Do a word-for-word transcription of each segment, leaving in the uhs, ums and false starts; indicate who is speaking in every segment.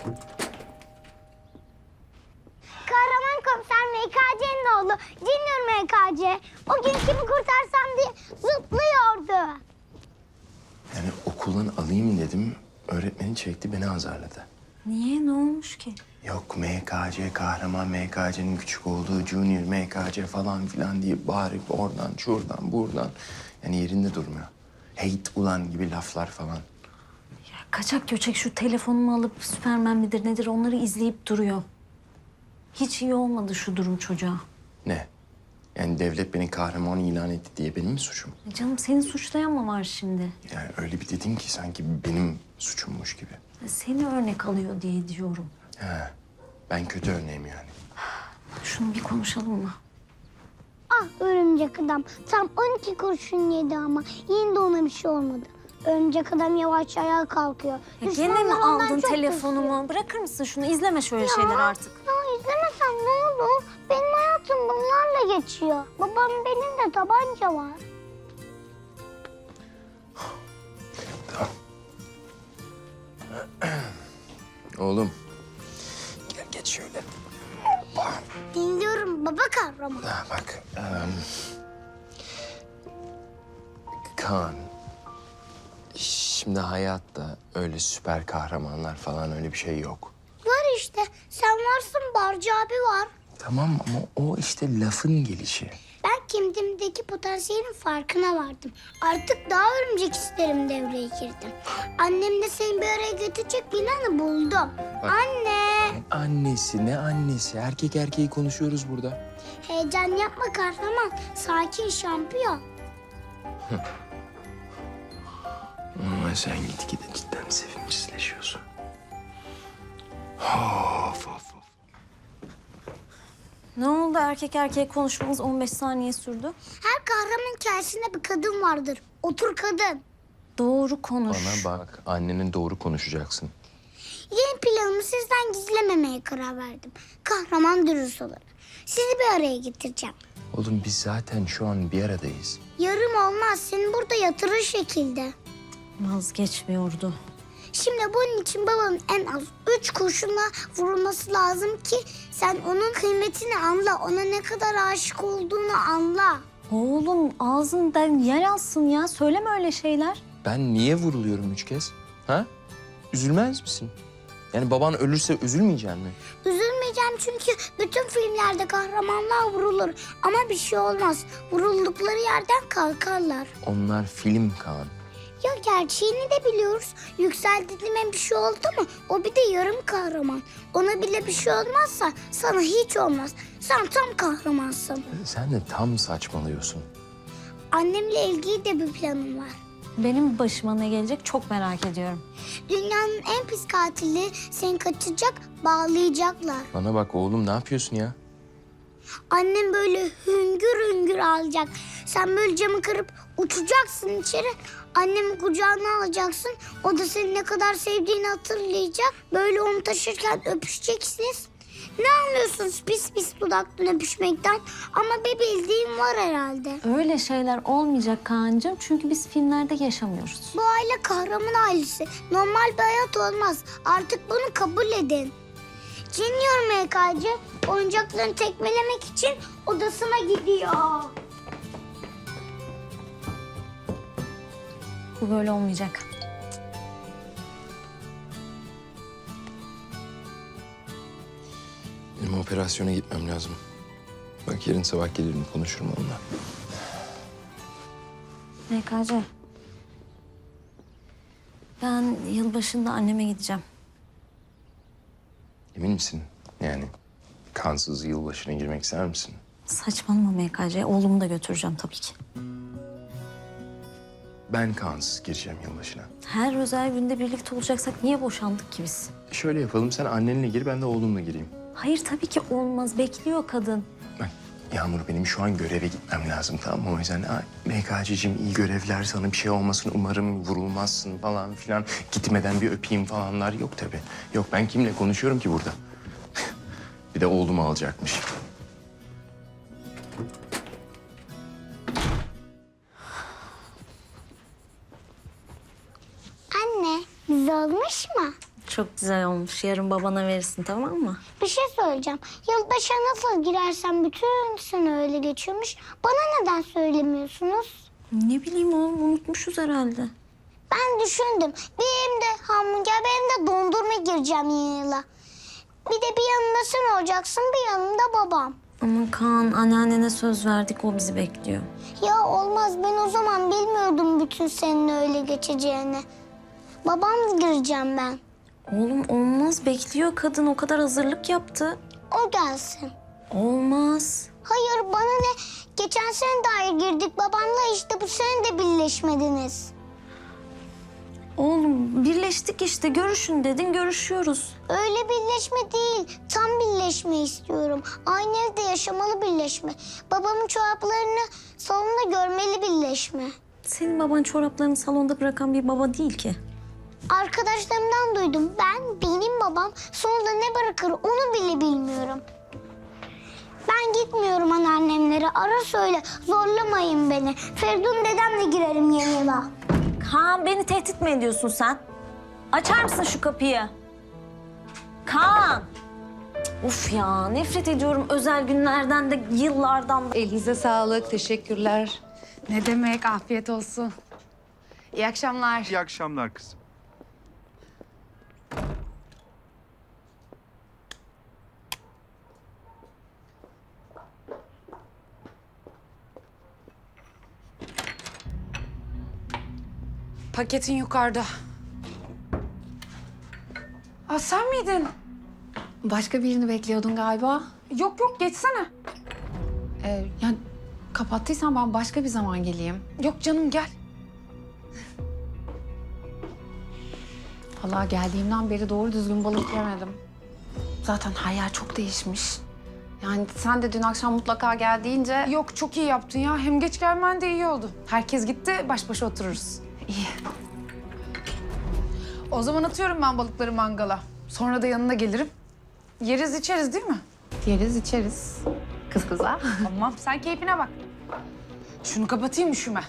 Speaker 1: Kahraman komiser M K C'nin oğlu Junior M K C. O gün kimi kurtarsam diye zıplıyordu.
Speaker 2: Yani okuldan alayım dedim. Öğretmeni çekti, beni azarladı.
Speaker 3: Niye? Ne olmuş ki?
Speaker 2: Yok M K C kahraman, M K C'nin küçük olduğu Junior M K C falan filan diye bağırıp oradan, şuradan, buradan. Yani yerinde durmuyor. Hate ulan gibi laflar falan.
Speaker 3: Ya kaçak göçek şu telefonumu alıp Süpermen midir nedir onları izleyip duruyor. Hiç iyi olmadı şu durum çocuğa.
Speaker 2: Ne? Yani devlet beni kahraman ilan etti diye benim mi suçum?
Speaker 3: Ya canım seni suçlayan mı var şimdi?
Speaker 2: Yani öyle bir dedin ki sanki benim suçummuş gibi.
Speaker 3: Ya seni örnek alıyor diye diyorum.
Speaker 2: He, ben kötü örneğim yani.
Speaker 3: Şunu bir konuşalım mı?
Speaker 1: Ah örümcek adam tam on iki kurşun yedi ama yine de ona bir şey olmadı. Örümcek adam yavaş ayağa kalkıyor.
Speaker 3: Ya gene mi
Speaker 1: Düşmanlar ondan
Speaker 3: aldın
Speaker 1: çok
Speaker 3: telefonumu?
Speaker 1: kızıyor.
Speaker 3: Bırakır mısın şunu? İzleme şöyle
Speaker 1: Ya,
Speaker 3: şeyler artık.
Speaker 1: Ya izlemesem ne olur? Benim hayatım bunlarla geçiyor. Babam benim de tabanca var.
Speaker 2: Tamam. Oğlum. Gel geç şöyle.
Speaker 1: Dinliyorum baba kahraman.
Speaker 2: Ha, bak. em, Kaan. Şimdi hayatta öyle süper kahramanlar falan öyle bir şey yok.
Speaker 1: Var işte. Sen varsın, Barcı abi var.
Speaker 2: Tamam ama o işte lafın gelişi.
Speaker 1: Ben kendimdeki potansiyelin farkına vardım. Artık daha örümcek isterim devreye girdim. Annem de seni bir araya götürecek planı buldum.
Speaker 2: Bak.
Speaker 1: Anne!
Speaker 2: Annesi ne annesi? Erkek erkeği konuşuyoruz burada.
Speaker 1: Heyecan yapma kahraman. Sakin şampiyon.
Speaker 2: Ama sen gitgide cidden sevimsizleşiyorsun. Of of of.
Speaker 3: Ne oldu erkek erkeğe konuşmamız on beş saniye sürdü?
Speaker 1: Her kahraman hikayesinde bir kadın vardır. Otur kadın.
Speaker 3: Doğru konuş.
Speaker 2: Bana bak, annenin doğru konuşacaksın.
Speaker 1: Yeni planımı sizden gizlememeye karar verdim. Kahraman dürüst olarak. Sizi bir araya getireceğim.
Speaker 2: Oğlum biz zaten şu an bir aradayız.
Speaker 1: Yarım olmaz. Seni burada yatırır şekilde.
Speaker 3: Vazgeçmiyordu.
Speaker 1: Şimdi bunun için babanın en az üç kurşunla vurulması lazım ki sen onun kıymetini anla. Ona ne kadar aşık olduğunu anla.
Speaker 3: Oğlum ağzından yer alsın ya. Söyleme öyle şeyler.
Speaker 2: Ben niye vuruluyorum üç kez? Ha? Üzülmez misin? Yani baban ölürse üzülmeyecek mi?
Speaker 1: Üzülmeyeceğim çünkü bütün filmlerde kahramanlar vurulur. Ama bir şey olmaz. Vuruldukları yerden kalkarlar.
Speaker 2: Onlar film Kaan.
Speaker 1: Ya gerçeğini de biliyoruz. Yüksel dediğime bir şey oldu mu? O bir de yarım kahraman. Ona bile bir şey olmazsa sana hiç olmaz. Sen tam kahramansın.
Speaker 2: Sen de tam saçmalıyorsun.
Speaker 1: Annemle ilgili de bir planım var.
Speaker 3: Benim başıma ne gelecek çok merak ediyorum.
Speaker 1: Dünyanın en pis katili seni kaçacak, bağlayacaklar.
Speaker 2: Bana bak oğlum, ne yapıyorsun ya?
Speaker 1: Annem böyle hüngür hüngür ağlayacak. Sen böyle camı kırıp uçacaksın içeri. Annemi kucağına alacaksın. O da seni ne kadar sevdiğini hatırlayacak. Böyle onu taşırken öpüşeceksiniz. Ne anlıyorsunuz pis pis dudaktan öpüşmekten? Ama bir bildiğim var herhalde.
Speaker 3: Öyle şeyler olmayacak Kaan'cığım. Çünkü biz filmlerde yaşamıyoruz.
Speaker 1: Bu aile kahraman ailesi. Normal bir hayat olmaz. Artık bunu kabul edin. Junior M K C oyuncaklarını tekmelemek için odasına gidiyor.
Speaker 3: Bu böyle olmayacak.
Speaker 2: Benim operasyona gitmem lazım. Bak yarın sabah gelirim, konuşurum onunla.
Speaker 3: M K C. Ben yılbaşında anneme gideceğim.
Speaker 2: Emin misin? Yani kansız yılbaşına girmek ister misin?
Speaker 3: Saçmalama M K C. Oğlumu da götüreceğim tabii ki.
Speaker 2: Ben kansız gireceğim yılbaşına.
Speaker 3: Her özel günde birlikte olacaksak niye boşandık ki biz?
Speaker 2: Şöyle yapalım, sen annenle gir, ben de oğlumla gireyim.
Speaker 3: Hayır tabii ki olmaz. Bekliyor kadın.
Speaker 2: Bak Yağmur, benim şu an göreve gitmem lazım, tamam mı? O yüzden "Aa, M K C'cim iyi görevler, sana bir şey olmasın, umarım vurulmazsın falan filan. Gitmeden bir öpeyim falanlar yok tabii. Yok, ben kimle konuşuyorum ki burada? Bir de oğlumu alacakmış.
Speaker 1: Anne, güzel olmuş mu?
Speaker 3: Çok güzel olmuş. Yarın babana verirsin, tamam mı?
Speaker 1: Bir şey söyleyeceğim. Yılbaşa nasıl girersen bütün sene öyle geçiyormuş. Bana neden söylemiyorsunuz?
Speaker 3: Ne bileyim oğlum, unutmuşuz herhalde.
Speaker 1: Ben düşündüm. Bir elimde hamburger, bir elimde dondurma gireceğim yeni yıla. Bir de bir yanında sen olacaksın, bir yanında babam.
Speaker 3: Ama Kaan, anneannene söz verdik, o bizi bekliyor.
Speaker 1: Ya olmaz, ben o zaman bilmiyordum bütün senin öyle geçeceğini. Babam gireceğim ben.
Speaker 3: Oğlum olmaz, bekliyor kadın, o kadar hazırlık yaptı.
Speaker 1: O gelsin.
Speaker 3: Olmaz.
Speaker 1: Hayır, bana ne? Geçen sene dair girdik babamla, işte bu sene de birleşmediniz.
Speaker 3: Oğlum birleştik işte, görüşün dedin, görüşüyoruz.
Speaker 1: Öyle birleşme değil, tam birleşme istiyorum. Aynı evde yaşamalı birleşme. Babamın çoraplarını salonda görmeli birleşme.
Speaker 3: Senin baban çoraplarını salonda bırakan bir baba değil ki.
Speaker 1: Arkadaşlarımdan duydum. Ben, benim babam sonunda ne bırakır onu bile bilmiyorum. Ben gitmiyorum anneannemlere. Ara söyle, zorlamayın beni. Feridun dedemle girerim yeni yıla.
Speaker 3: Kaan, beni tehdit mi ediyorsun sen? Açar mısın şu kapıyı? Kaan! Cık, Of ya, nefret ediyorum özel günlerden de, yıllardan da.
Speaker 4: Elinize sağlık, teşekkürler.
Speaker 5: Ne demek, afiyet olsun. İyi akşamlar.
Speaker 6: İyi akşamlar kızım.
Speaker 5: Paketin yukarıda. Aa, sen miydin? Başka birini bekliyordun galiba. Yok yok, geçsene. Ee, yani kapattıysan ben başka bir zaman geleyim. Yok canım, gel. Vallahi geldiğimden beri doğru düzgün balık yemedim. Zaten her yer çok değişmiş. Yani sen de dün akşam mutlaka gel deyince... Yok, çok iyi yaptın ya. Hem geç gelmen de iyi oldu. Herkes gitti, baş başa otururuz. İyi. O zaman atıyorum ben balıkları mangala. Sonra da yanına gelirim. Yeriz içeriz değil mi? Yeriz içeriz. Kız kıza. Tamam, sen keyfine bak. Şunu kapatayım, üşüme.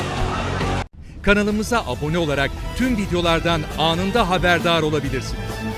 Speaker 7: Kanalımıza abone olarak tüm videolardan anında haberdar olabilirsiniz.